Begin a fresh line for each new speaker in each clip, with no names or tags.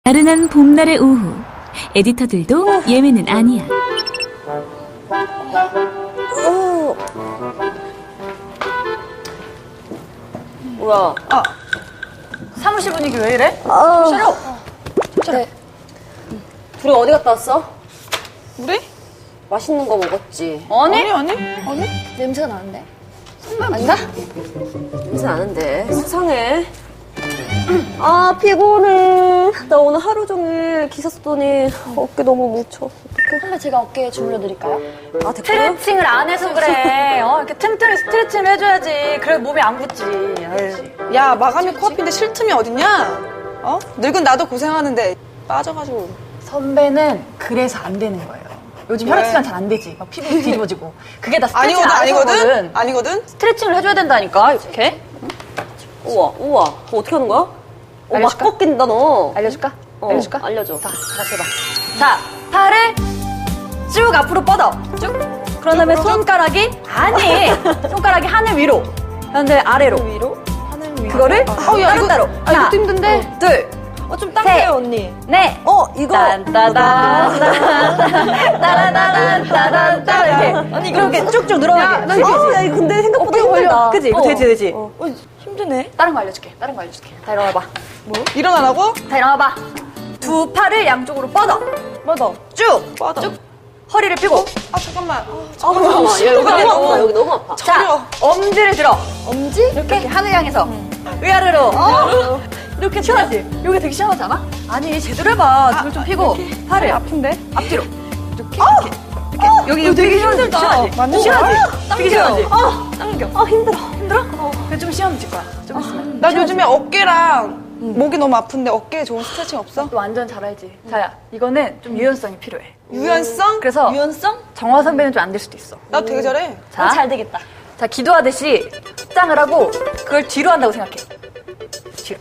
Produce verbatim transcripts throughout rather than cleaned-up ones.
나른한 봄날의 오후, 에디터들도 예외는 아니야.
오. 뭐야?
아, 사무실 분위기 왜 이래?
아.
싫어.
네. 둘이 어디 갔다 왔어?
우리?
맛있는 거 먹었지?
아니, 아니, 아니.
냄새가 나는데?
아닌가? 냄새 나는데. 수상해. 아, 피곤해. 나 오늘 하루 종일 기사 썼더니 어깨 너무 뭉쳐. 어떡해.
선배 제가 어깨에 주물러 드릴까요?
아, 됐고요?
스트레칭을 안 해서 그래. 어, 이렇게 틈틈이 스트레칭을 해줘야지. 그래 몸이 안 굳지. 에이.
야, 마감이 코앞인데 쉴 틈이 어딨냐? 어? 늙은 나도 고생하는데 빠져가지고.
선배는 그래서 안 되는 거예요. 요즘
왜?
혈액순환 잘 안 되지. 막 피부 뒤집어지고. 그게 다 스트레칭
아니거든,
안 해서거든.
아니거든? 아니거든?
스트레칭을 해줘야 된다니까, 이렇게.
우와, 우와. 그거 어떻게 하는 거야? 어, 막
알려줄까?
꺾인다, 너.
알려줄까?
어,
알려줄까?
알려줘.
자, 다시 해봐. 자, 팔을 쭉 앞으로 뻗어. 쭉. 그런 다음에 손가락이, 아니! 손가락이 하늘 위로. 그런데 아래로.
위로?
하늘 위로. 그거를
어, 야, 이거-
따로따로.
아, 이것도 힘든데?
둘.
어, 좀
셋.
딱해요, 언니.
네.
어, 이거.
딴따단, 따라다단, 따단, 따 이렇게. 아니, 이렇게 쭉쭉 늘어나게.
나 이거, 야, 이거 근데 생각보다 힘들다.
그치? 이거
어.
되지, 되지.
어. 어, 힘드네.
다른 거 알려줄게. 다른 거 알려줄게. 다 일어나봐.
일어나라고?
다 일어나봐. 두 팔을 양쪽으로 뻗어.
뻗어.
쭉.
뻗어.
쭉. 허리를 피고.
아, 잠깐만. 아,
아, 잠깐만. 야, 여기 너무 아파. 여기 너무 아파.
자,
저려.
엄지를 들어. 엄지? 이렇게, 이렇게 하늘 향해서. 위아래로. 어. 이렇게 시원하지? 여기 되게 시원하지 않아? 아니, 제대로 해봐. 등을 좀 피고. 팔을
아픈데?
앞뒤로. 이렇게, 이렇게. 이렇게. 여기, 여기 되게 힘들다. 시원하지?
맞는
시원하지?
거야?
되게 시원하지?
아,
당겨.
아, 힘들어.
힘들어? 그래, 좀 시원해질 거야. 좀 있으면.
나 요즘에 어깨랑 목이 너무 아픈데 어깨에 좋은 스트레칭 없어?
또 완전 잘 알지? 자야, 이거는 좀 유연성이 필요해.
유연성?
그래서
유연성?
정화 선배는 좀 안 될 수도 있어.
나 되게 잘해.
자,
잘 되겠다.
자, 기도하듯이 짱을 하고 그걸 뒤로 한다고 생각해. 뒤로.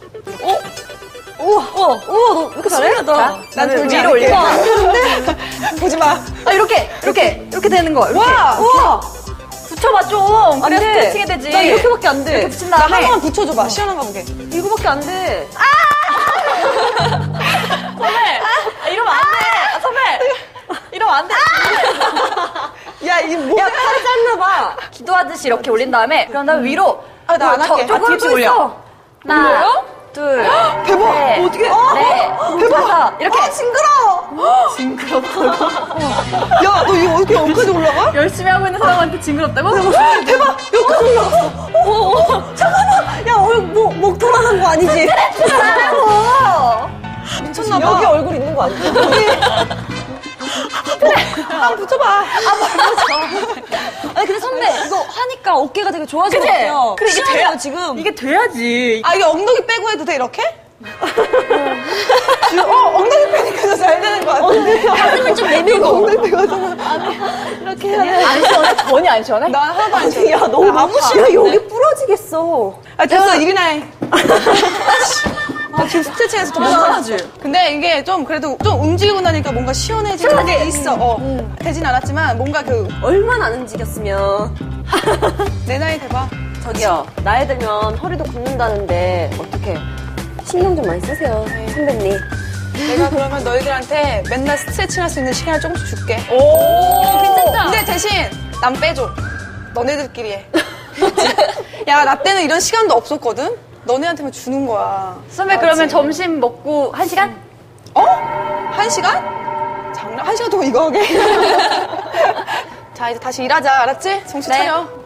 우와, 우와, 우와, 너 왜 이렇게 잘해?
자,
난
나는
돌지
위로
않을게.
올려.
보지 마.
아, 이렇게, 이렇게, 이렇게 되는 거. 이렇게.
와!
우와!
붙여봐 좀. 그래,
돼.
스트레칭이 되지.
나 이렇게밖에 안 돼.
이렇게 붙인
나
다음에.
한 번만 붙여줘봐. 시원한가 보게.
이거밖에 안 돼.
선배, 아, 이러면 안 돼. 아, 선배, 이러면 안 돼.
야, 이게 뭐야?
야, 팔이 짧나 봐.
기도하듯이 이렇게 올린 다음에 그런 다음에 위로.
아, 나안
저-
할게.
조금
아, 뒤집어
또
올려.
있어. 하나, 둘,
대박!
셋,
어떻게?
넷, 다섯. 이렇게.
아, 징그러워!
징그럽다고.
야, 너 이거 어떻게 여기까지 올라가?
열심히 하고 있는 사람한테 징그럽다고?
대박! 여기까지 올라갔어.
어, 어. 잠깐만. 야, 얼, 목, 목 돌아간 거 아니지?
미쳤나봐.
여기 얼굴 있는 거 아니지?
한번 붙여봐.
아니, 근데 선배, 이거 하니까 어깨가 되게 좋아진 것
그래.
같아요.
그래, 이게
시원해요,
돼야-
지금.
이게 돼야지.
아, 이게 엉덩이 빼고 해도 돼, 이렇게? 어, 엉덩이 빼니까 더 잘 되는 거 같아.
가슴을 좀 내밀고.
엉덩이 빼고 하잖아.
이렇게 해야 돼.
안 시원해? 전혀 안 시원해?
나 하나도 안 시원해.
야, 너무,
나 아파.
야, 여기 부러지겠어.
아, 됐어. 일이나 해. 아, 지금 스트레칭해서 더 못하지. 근데 이게 좀 그래도 좀 움직이고 나니까 뭔가 시원해지는 게 있어. 어. 되진 않았지만 뭔가 그
얼마나 안 움직였으면.
내 나이 대봐.
저기요, 나이 들면 허리도 굽는다는데, 어떻게 신경 좀 많이 쓰세요, 선배님.
내가 그러면 너희들한테 맨날 스트레칭 할 수 있는 시간을 조금씩 줄게.
오, 괜찮다.
근데 대신 난 빼줘. 너네들끼리 해. 야, 나 때는 이런 시간도 없었거든? 너네한테만 주는 거야.
선배 그러면 점심 먹고 한 시간?
어? 한 시간? 장난, 한 시간 동안 이거 하게? 자, 이제 다시 일하자. 알았지? 정신
네.
차려.